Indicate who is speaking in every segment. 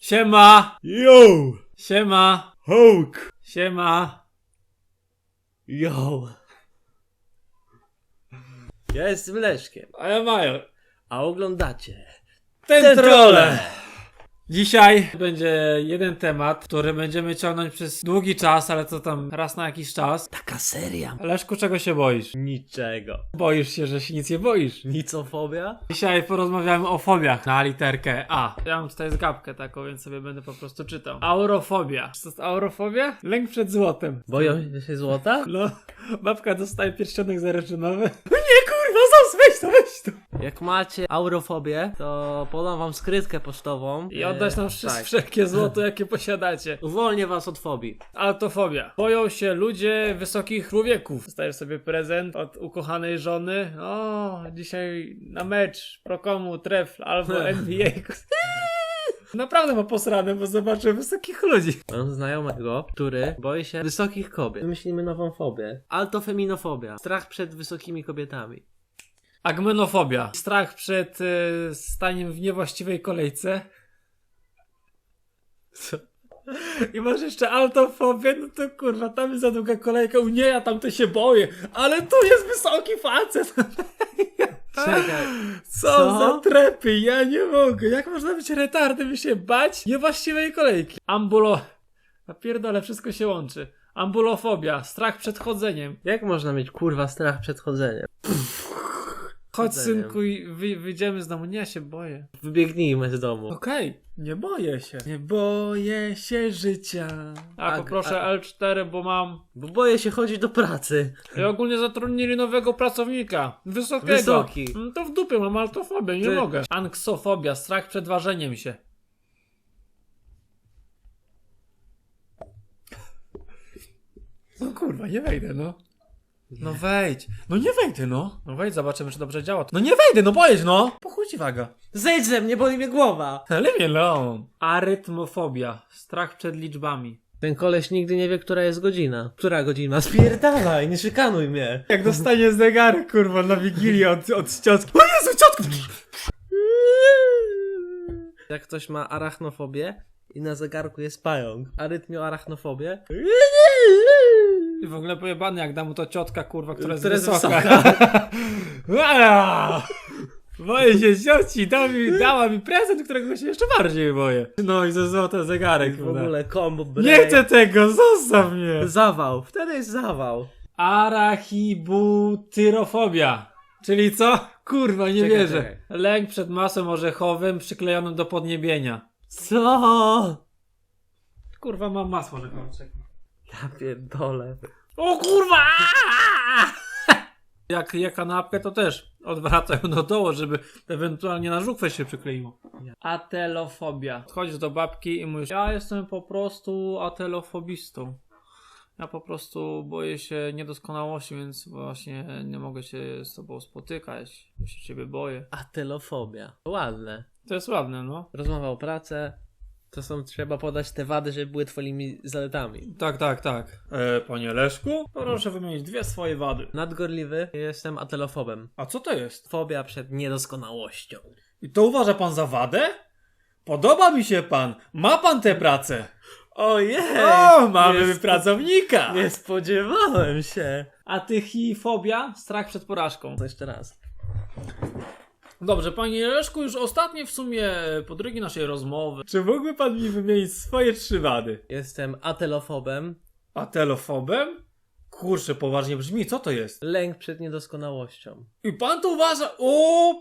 Speaker 1: Siema!
Speaker 2: Yo!
Speaker 1: Siema!
Speaker 2: Hulk!
Speaker 1: Siema!
Speaker 2: Yo! Ja jestem Leszkiem,
Speaker 1: A ja Major.
Speaker 2: a oglądacie
Speaker 1: Ten trole! Dzisiaj będzie jeden temat, który będziemy ciągnąć przez długi czas, ale to tam raz na jakiś czas.
Speaker 2: taka seria.
Speaker 1: Leszku, czego się boisz?
Speaker 2: Niczego.
Speaker 1: Boisz się, że się nic nie boisz.
Speaker 2: Nicofobia?
Speaker 1: Dzisiaj porozmawiamy o fobiach na literkę A. Ja mam tutaj zgapkę taką, więc sobie będę po prostu czytał. Aurofobia. Co to jest aurofobia? Lęk przed złotem.
Speaker 2: Boją się złota?
Speaker 1: No, babka dostaje pierścionek zaryczynowy. Nie kurwa, weź to!
Speaker 2: Jak macie aurofobię, to podam wam skrytkę pocztową.
Speaker 1: I oddać nam
Speaker 2: tak.
Speaker 1: wszelkie złoto, jakie posiadacie.
Speaker 2: Uwolnię was od fobii.
Speaker 1: Altofobia. Boją się ludzie wysokich człowieków. Dostajesz sobie prezent od ukochanej żony. O, dzisiaj na mecz Prokomu, Trefl albo NBA. Naprawdę ma posrane, bo zobaczę wysokich ludzi.
Speaker 2: Mam znajomego, który boi się wysokich kobiet. Wymyślimy nową fobię. Altofeminofobia. Strach przed wysokimi kobietami.
Speaker 1: Agmenofobia. Strach przed staniem w niewłaściwej kolejce.
Speaker 2: Co?
Speaker 1: I masz jeszcze altofobię, no to kurwa, tam jest za długa kolejka, u nie, ja tam to się boję, ale tu jest wysoki facet.
Speaker 2: Czekaj.
Speaker 1: Co za trepy, ja nie mogę. Jak można być retardem i się bać niewłaściwej kolejki? Napierdolę, wszystko się łączy. Ambulofobia, strach przed chodzeniem.
Speaker 2: Jak można mieć kurwa strach przed chodzeniem?
Speaker 1: Chodź
Speaker 2: Chodzeniem.
Speaker 1: synku i wyjdziemy z domu. Nie, ja się boję.
Speaker 2: Wybiegnijmy z domu.
Speaker 1: Okej, nie boję się. Nie boję się życia. Poproszę L4, bo mam...
Speaker 2: Bo boję się chodzić do pracy.
Speaker 1: I ogólnie zatrudnili nowego pracownika. Wysokiego.
Speaker 2: Wysoki.
Speaker 1: To w dupie mam altofobię, nie
Speaker 2: Ty-
Speaker 1: mogę. Anksofobia, strach przed ważeniem się. No kurwa, nie wejdę, no. No wejdź. No nie wejdę, no. No wejdź, zobaczymy, czy dobrze działa. No nie wejdę, no boję się, no. Po chuj ci waga.
Speaker 2: Zejdź ze mnie, boli mnie głowa.
Speaker 1: Ale mnie lon. Arytmofobia, strach przed liczbami.
Speaker 2: Ten koleś nigdy nie wie, która jest godzina. Która godzina? Spierdalaj, nie szykanuj mnie.
Speaker 1: Jak dostanie zegarek, kurwa, na Wigilię od ciotki. O Jezu, ciotku!
Speaker 2: Jak ktoś ma arachnofobię i na zegarku jest pająk, arytmioarachnofobię,
Speaker 1: I w ogóle pojebany, jak da mu to ciotka, kurwa, która jest
Speaker 2: Która jest
Speaker 1: wysoka. Boję się cioci, dała mi prezent, którego się jeszcze bardziej boję. No i ze złote zegarek.
Speaker 2: w ogóle combo brain.
Speaker 1: Nie chcę tego, zostaw mnie.
Speaker 2: Zawał, wtedy jest zawał.
Speaker 1: Arachibutyrofobia. Czyli co? Kurwa, nie
Speaker 2: Czekaj,
Speaker 1: wierzę.
Speaker 2: czekaj.
Speaker 1: Lęk przed masłem orzechowym przyklejonym do podniebienia.
Speaker 2: Co?
Speaker 1: Kurwa, mam masło orzechowe.
Speaker 2: Ja pierdolę.
Speaker 1: O kurwa! Jak je kanapkę, to też odwracają do dołu, żeby ewentualnie na żuchwę się przykleiło. Atelofobia. Chodzisz do babki i mówisz, ja jestem po prostu atelofobistą. Ja po prostu boję się niedoskonałości, więc właśnie nie mogę się z tobą spotykać. Ja się ciebie boję.
Speaker 2: Atelofobia. Ładne.
Speaker 1: To jest ładne, no.
Speaker 2: Rozmowa o pracę. To trzeba podać te wady, żeby były twoimi zaletami.
Speaker 1: Tak. Panie Leszku, proszę wymienić dwie swoje wady.
Speaker 2: Nadgorliwy, jestem atelofobem.
Speaker 1: A co to jest?
Speaker 2: Fobia przed niedoskonałością.
Speaker 1: I to uważa pan za wadę? Podoba mi się pan. Ma pan tę pracę.
Speaker 2: Ojej!
Speaker 1: O, mamy
Speaker 2: nie
Speaker 1: pracownika.
Speaker 2: Nie spodziewałem się.
Speaker 1: A ty fobia? Strach przed porażką.
Speaker 2: To jeszcze raz.
Speaker 1: Dobrze, panie Leszku, już ostatnie w sumie podrygi naszej rozmowy. Czy mógłby pan mi wymienić swoje trzy wady?
Speaker 2: Jestem atelofobem.
Speaker 1: Atelofobem? Kurczę, poważnie brzmi, co to jest?
Speaker 2: Lęk przed niedoskonałością.
Speaker 1: I pan to uważa... O!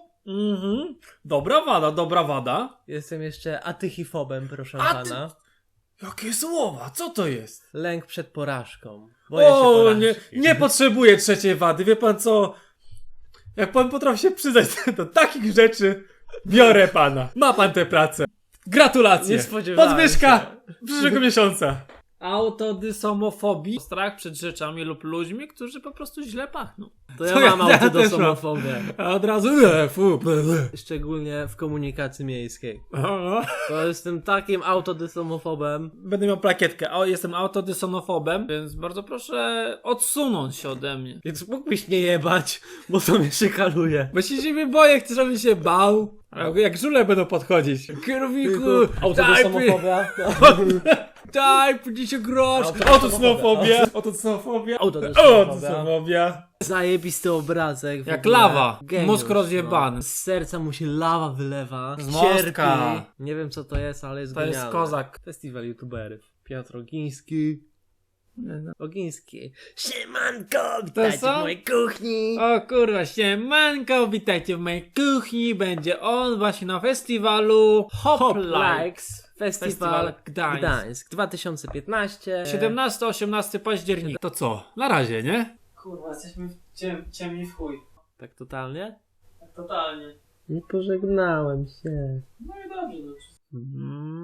Speaker 1: Dobra wada.
Speaker 2: Jestem jeszcze atychifobem, proszę
Speaker 1: A ty-
Speaker 2: pana.
Speaker 1: Jakie słowa, co to jest?
Speaker 2: Lęk przed porażką. Boję się
Speaker 1: O,
Speaker 2: porażki.
Speaker 1: nie potrzebuję trzeciej wady, wie pan co? Jak pan potrafi się przyznać do takich rzeczy, biorę pana. Ma pan tę pracę. Gratulacje.
Speaker 2: Nie spodziewałem
Speaker 1: Podwyżka
Speaker 2: się.
Speaker 1: przyszłego miesiąca. Autodysomofobii. Strach przed rzeczami lub ludźmi, którzy po prostu źle pachną.
Speaker 2: To ja
Speaker 1: To
Speaker 2: mam
Speaker 1: ja też
Speaker 2: autodysomofobię.
Speaker 1: A od razu
Speaker 2: Szczególnie w komunikacji miejskiej. To jestem takim autodysomofobem.
Speaker 1: Będę miał plakietkę. O, jestem autodysonofobem, więc bardzo proszę odsunąć się ode mnie.
Speaker 2: Więc mógłbyś nie jebać, bo to mnie szykaluje.
Speaker 1: Bo się ciebie boję, chcę, żebym się bał. Ale jak żule będą podchodzić. Kierowniku,
Speaker 2: Autosomofobia.
Speaker 1: daj, będzie się grosz.
Speaker 2: Autosomofobia.
Speaker 1: Autosomofobia.
Speaker 2: Autosomofobia. Zajebisty obrazek. w
Speaker 1: Jak
Speaker 2: ogóle.
Speaker 1: lawa.
Speaker 2: Geniusz,
Speaker 1: Mózg rozjebany.
Speaker 2: no. Z serca mu się lawa wylewa.
Speaker 1: Z mostka.
Speaker 2: Cierpi. Nie wiem co to jest, ale jest
Speaker 1: To jest
Speaker 2: genialne.
Speaker 1: kozak.
Speaker 2: Festiwal youtuberów. Piotr Ogiński. Ogiński. Siemanko, witajcie
Speaker 1: co?
Speaker 2: w mojej kuchni.
Speaker 1: O kurwa, siemanko, witajcie w mojej kuchni. Będzie on właśnie na festiwalu Hop Likes.
Speaker 2: Festiwal
Speaker 1: Gdańsk.
Speaker 2: Gdańsk 2015.
Speaker 1: 17-18 października. To co? Na razie, nie?
Speaker 3: Kurwa, jesteśmy ciemni w chuj.
Speaker 2: Tak totalnie?
Speaker 3: Tak totalnie.
Speaker 2: Nie pożegnałem się.
Speaker 3: No i dobrze, no.